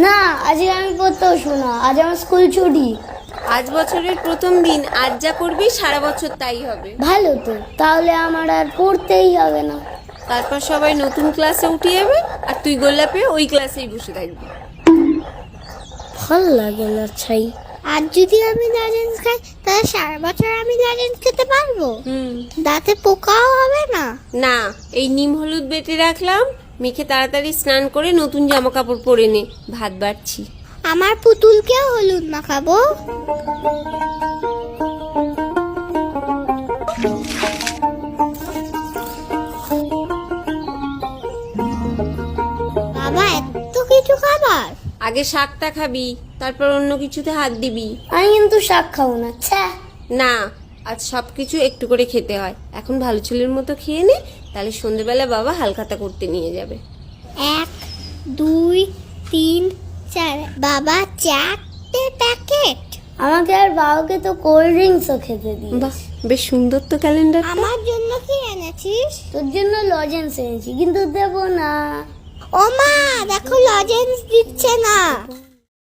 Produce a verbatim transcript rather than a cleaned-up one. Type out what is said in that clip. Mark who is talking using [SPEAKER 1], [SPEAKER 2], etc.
[SPEAKER 1] না, আজকে আমি পড়তেও শোনা, আজ আমার স্কুল ছুটি।
[SPEAKER 2] আজ বছরের প্রথম দিন, আজ যা করবি সারা বছর তাই হবে।
[SPEAKER 1] ভালো তো, তাহলে আমার আর পড়তেই হবে না।
[SPEAKER 2] তারপর সবাই নতুন ক্লাসে উঠে যাবে আর তুই গোল্লাপে ওই ক্লাসেই বসে থাকবি।
[SPEAKER 1] ভাল লাগে না ছাই।
[SPEAKER 3] আর যদি আমি লজেন্স খাই তাহলে সারা বছর আমি লজেন্স খেতে পারবো?
[SPEAKER 2] হুম
[SPEAKER 3] দাঁতে পোকাও হবে না?
[SPEAKER 2] না, এই নিম হলুদ বেটে রাখলাম, মেখে তাড়াতাড়ি স্নান করে নতুন জামা কাপড় পরে নে, ভাত বাড়ছি।
[SPEAKER 3] আমার পুতুলকেও হলুদ মাখাবো। বাবা, এত কিছু খাবার?
[SPEAKER 2] আগে শাকটা খাবি, তারপর অন্য কিছুতে হাত দিবি।
[SPEAKER 1] আমি কিন্তু শাক খাবো না। ছ্যা।
[SPEAKER 2] না, আজ সব কিছু একটু করে খেতে হয়। এখন ভালো ছেলের মতো খেয়ে নে, তাহলে সন্ধ্যেবেলা বাবা হালখাতা করতে নিয়ে যাবে।
[SPEAKER 3] এক, দুই, তিন, চার। বাবা, চারটে প্যাকেট?
[SPEAKER 1] আমাকে আর বাবাকে তো কোল্ড ড্রিঙ্কসও খেতে দিই।
[SPEAKER 2] বাহ, বেশ সুন্দর তো ক্যালেন্ডার।
[SPEAKER 3] আমার জন্য কি এনেছিস?
[SPEAKER 1] তোর জন্য লজেন্স এনেছি, কিন্তু দেবো না।
[SPEAKER 3] ও মা, দেখো লজেন্স দিচ্ছে না।